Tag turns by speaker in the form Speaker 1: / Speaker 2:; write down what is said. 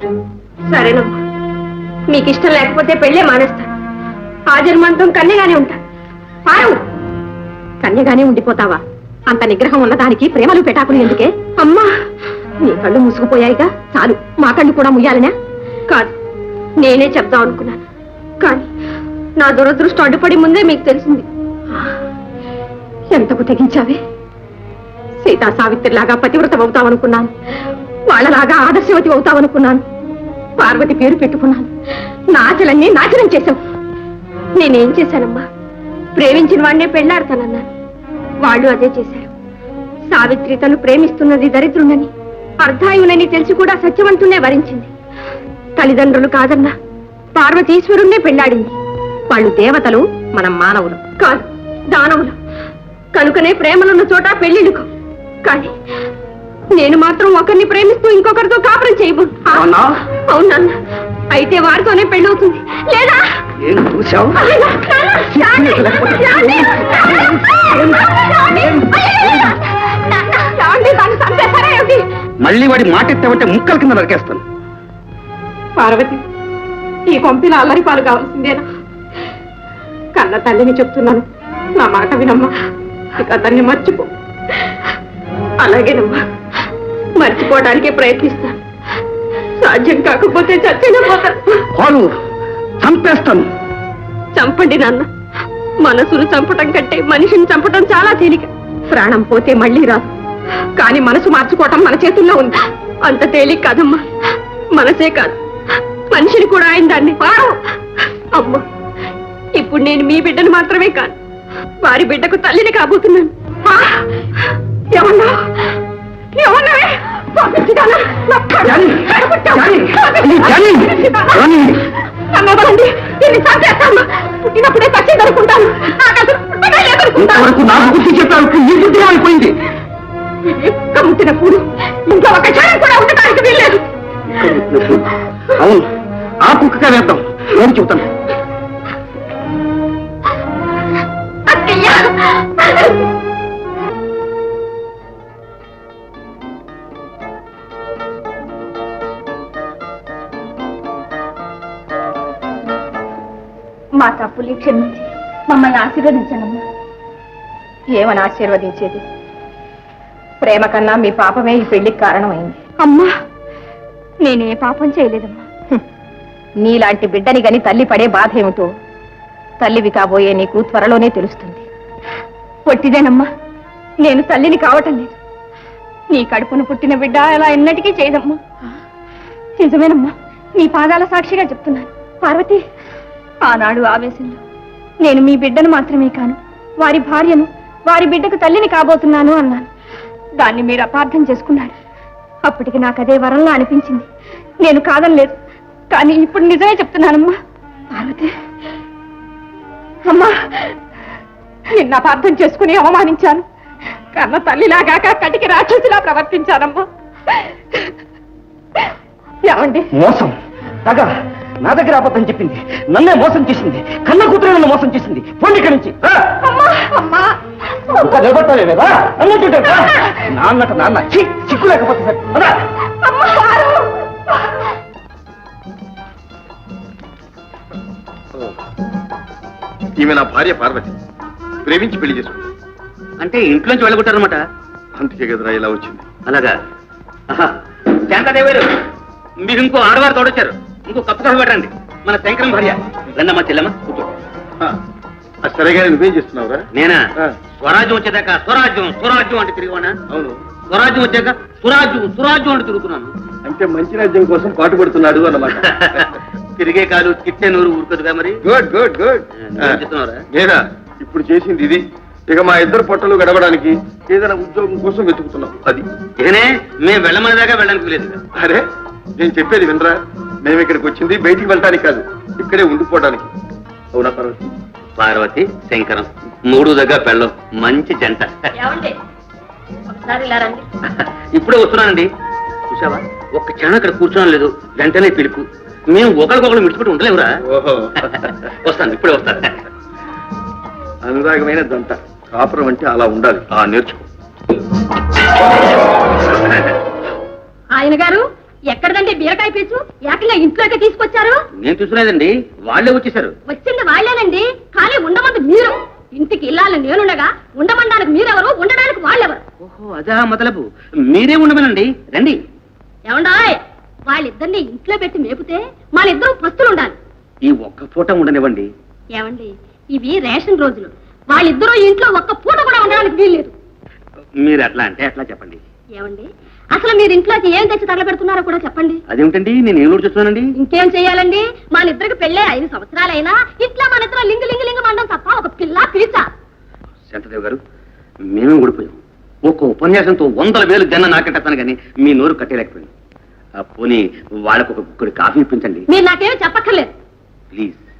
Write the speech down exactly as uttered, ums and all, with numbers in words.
Speaker 1: సరేనమ్మా, మీకు ఇష్టం లేకపోతే పెళ్ళే మానేస్తాను. ఆ జన్మాంతం కన్యగానే ఉంటా. పారు, కన్యగానే ఉండిపోతావా? అంత నిగ్రహం ఉన్నదానికి ప్రేమలు పెటాకులు ఎందుకే? అమ్మా, నీ కళ్ళు మూసుకుపోయాయిగా, చాలు. మా కళ్ళు కూడా ముయ్యాలనే? కాదు, నేనే చెప్దాం అనుకున్నాను, కానీ నా దురదృష్టం అడ్డుపడి ముందే మీకు తెలిసింది. ఎంతకు తెగించావే? సీతా సావిత్రిలాగా పతివ్రత అవుతావనుకున్నాను, వాళ్ళలాగా ఆదర్శవతి అవుతావనుకున్నాను. పార్వతి పేరు పెట్టుకున్నాను, నా ఆశలన్నీ నాశనం చేశావు. నేనేం చేశానమ్మా? ప్రేమించిన వాడినే పెళ్లాడతానన్నాను, వాళ్ళు అదే చేశారు. సావిత్రి తను ప్రేమిస్తున్నది దరిద్రునని, అర్ధాయునని తెలిసి కూడా సత్యవంతునే వరించింది. తల్లిదండ్రులు కాదన్నా పార్వతీశ్వరుణ్ణే పెళ్లాడింది. వాళ్ళు దేవతలు, మనం మానవులు. కాదు, దానవులు. కనుకనే ప్రేమలున్న చోట పెళ్లిడుకో. కానీ నేను మాత్రం ఒకరిని ప్రేమిస్తూ ఇంకొకరితో కాపురం చేయబో. అవునన్నా, అయితే వారితోనే పెళ్ళవుతుంది. లేదా
Speaker 2: మళ్ళీ వాడి మాట ఎత్తామంటే ముక్కల కింద నరికేస్తాను.
Speaker 1: పార్వతి, ఈ కొంపిన అల్లరి పాలు కావాల్సిందేనా? కన్న తల్లిని చెప్తున్నాను, నా మాట వినమ్మా. ఇక అతన్ని మర్చిపో. అలాగేనమ్మా, మర్చిపోవడానికే ప్రయత్నిస్తాను. సాధ్యం కాకపోతే చచ్చిన పోతాను.
Speaker 2: చంపేస్తాను.
Speaker 1: చంపండి నాన్న. మనసును చంపటం కంటే మనిషిని చంపటం చాలా తేలిక. ప్రాణం పోతే మళ్ళీ రాదు, కానీ మనసు మార్చుకోవటం మన చేతుల్లో ఉంది. అంత తేలిక కాదమ్మా. మనసే కాదు, మనిషిని కూడా ఆయన దాన్ని. అమ్మా, ఇప్పుడు నేను మీ బిడ్డను మాత్రమే కాదు, వారి బిడ్డకు తల్లిని కాబోతున్నాను. ఏమన్నా ఏమన్నావే? పుట్టినప్పుడే చచ్చి దొరుకుంటాను.
Speaker 2: అయిపోయింది.
Speaker 1: ముట్టినప్పుడు ఇంకా ఒక క్షణం కూడా ఉండటానికి వీల్లేదు.
Speaker 2: అవును, ఆ కుక్కగా వేద్దాం. నేను చెబుతాను.
Speaker 1: మా తప్పులు క్షమించి మమ్మల్ని ఆశీర్వదించనమ్మా. ఏమని ఆశీర్వదించేది? ప్రేమ కన్నా మీ పాపమే ఈ పెళ్లికి కారణమైంది. అమ్మా, నేనే పాపం చేయలేదమ్మా. నీలాంటి బిడ్డని గని తల్లి పడే బాధ ఏమిటో తల్లివి కాబోయే నీకు త్వరలోనే తెలుస్తుంది. పొట్టిదేనమ్మా, నేను తల్లిని కావటం లేదు. నీ కడుపును పుట్టిన బిడ్డ అలా ఎన్నటికీ చేయదమ్మా. నిజమేనమ్మా, నీ పాదాల సాక్షిగా చెప్తున్నాను. పార్వతి, ఆనాడు ఆవేశంలో నేను మీ బిడ్డను మాత్రమే కాను, వారి భార్యను, వారి బిడ్డకు తల్లిని కాబోతున్నాను అన్నాను. దాన్ని మీరు అపార్థం చేసుకున్నారు. అప్పటికి నాకు అదే వరంలా అనిపించింది. నేను కాదనలేదు, కానీ ఇప్పుడు నిజమే చెప్తున్నానమ్మా. పార్వతి అమ్మా, నిన్న అపార్థం చేసుకుని అవమానించాను. కన్న తల్లిలాగాక కటికి రాక్షసిలా ప్రవర్తించానమ్మా. ఏమండి?
Speaker 2: మోసం, తగ నా దగ్గర అబద్ధం చెప్పింది, నన్నే మోసం చేసింది. కన్న కూతురు నన్ను మోసం చేసింది. పోండి ఇక్కడి నుంచి. నిలబట్టాలే లేదా అన్నట్టు నాన్నట నాన్న చిక్కు లేకపోతే సార్.
Speaker 3: ఈమె నా భార్య పార్వతి, ప్రేమించి పెళ్లి చేసుకుంది.
Speaker 2: అంటే ఇంట్లోంచి వెళ్ళగొట్టారనమాట.
Speaker 3: అందుకే కదరా ఇలా వచ్చింది.
Speaker 2: అలాగా? శాంతాదేవారు, మీరు ఇంకో ఆడవారు తోడొచ్చారు. ఇంకో కప్పు కాఫీ పెట్టండి. మన శంకరం భార్య. రండమ్మా చెల్లమ్మ, కూర్చో.
Speaker 3: సరేగా నువ్వేం చేస్తున్నావురా?
Speaker 2: నేనా? స్వరాజ్యం వచ్చేదాకా స్వరాజ్యం స్వరాజ్యం అంటే తిరిగివానా?
Speaker 3: అవును.
Speaker 2: స్వరాజ్యం వచ్చాక సురాజ్యం సురాజ్యం అంటే తిరుగుతున్నాను.
Speaker 3: అంటే మంచి రాజ్యం కోసం పాటు పడుతున్నాడు అన్నమాట.
Speaker 2: తిరిగే కాదు, కిట్టే నూరు ఊరుకదుగా. మరి
Speaker 3: గుడ్ గుడ్ గుడ్.
Speaker 2: చెప్తున్నారా?
Speaker 3: నేనా ఇప్పుడు చేసింది ఇది. ఇక మా ఇద్దరు పొట్టలు గడవడానికి ఏదైనా ఉద్యోగం కోసం వెతుకుతున్నాం. అది
Speaker 2: ఇకనే మేము వెళ్ళమని దాకా వెళ్ళడానికి లేదు.
Speaker 3: అరే, నేను చెప్పేది వినరా? మేము ఇక్కడికి వచ్చింది బయటికి వెళ్ళడానికి కాదు, ఇక్కడే ఉండిపోవడానికి. అవునా పార్వతి?
Speaker 2: పార్వతి శంకరం మూడు దగ్గర పెళ్ళం మంచి జంట. ఇప్పుడే వస్తున్నానండి. చూసావా, ఒక్క క్షణం అక్కడ కూర్చోడం లేదు, వెంటనే పిలుపు. మేము ఒకరికొకరు మిడిచిపెట్టి ఉండలేవురా.
Speaker 3: ఓహో,
Speaker 2: వస్తాను, ఇప్పుడే వస్తాను.
Speaker 3: అనురాగమైన దంట. కాపురం అంటే అలా ఉండాలి. ఆ నేర్చుకో.
Speaker 1: ఆయన గారు ఎక్కడదంటే బీరకాయ పీచు
Speaker 2: నేను చూసలేదండి, వాళ్ళే వచ్చేసారు.
Speaker 1: వచ్చింది వాళ్ళేనండి, కానీ ఉండమంది మీరు. ఇంటికి ఇల్లాలని నేనుండగా ఉండమనడానికి మీరెవరు, ఉండడానికి వాళ్ళెవరు?
Speaker 2: ఓహో, అదా మొదలపు. మీరే ఉండమనండి, రండి.
Speaker 1: ఏమండాయ్, వాళ్ళిద్దరిని ఇంట్లో పెట్టి మేపితే మన ఇద్దరు పస్తులు ఉండాలి.
Speaker 2: ఈ ఒక్క పూట ఉండనివ్వండి.
Speaker 1: ఏమండి, ఇవి రేషన్ రోజులు. వాళ్ళిద్దరూ ఇంట్లో ఒక్క పూట కూడా ఉండడానికి వీల్లేదు.
Speaker 2: మీరు అట్లా అంటే అట్లా చెప్పండి.
Speaker 1: ఏమండి, అసలు మీరు ఇంట్లోకి ఏం తెచ్చి తగలబెడుతున్నారో కూడా చెప్పండి.
Speaker 2: అదేమిటండి, నేను ఏం చూస్తున్నానండి?
Speaker 1: ఇంకేం చెయ్యాలండి, మన ఇద్దరికి పెళ్ళే ఐదు సంవత్సరాలైనా ఇట్లా మన ఇద్దరు లింగు లింగు లింగు మండం తప్ప ఒక పిల్ల పిలిచ.
Speaker 2: శాంతదేవ్ గారు, మేమే ఊడిపోయాం. ఒక్క ఉపన్యాసంతో వందల వేలు జన్న నాకెట్టాను కానీ మీ నోరు కట్టేయలేకపోయింది. పోనీ వాళ్ళకు ఒక గుక్కడి కాఫీ ఇప్పించండి.
Speaker 1: మీరు నాకేమీ చెప్పక్కర్లేదు.
Speaker 2: ప్లీజ్.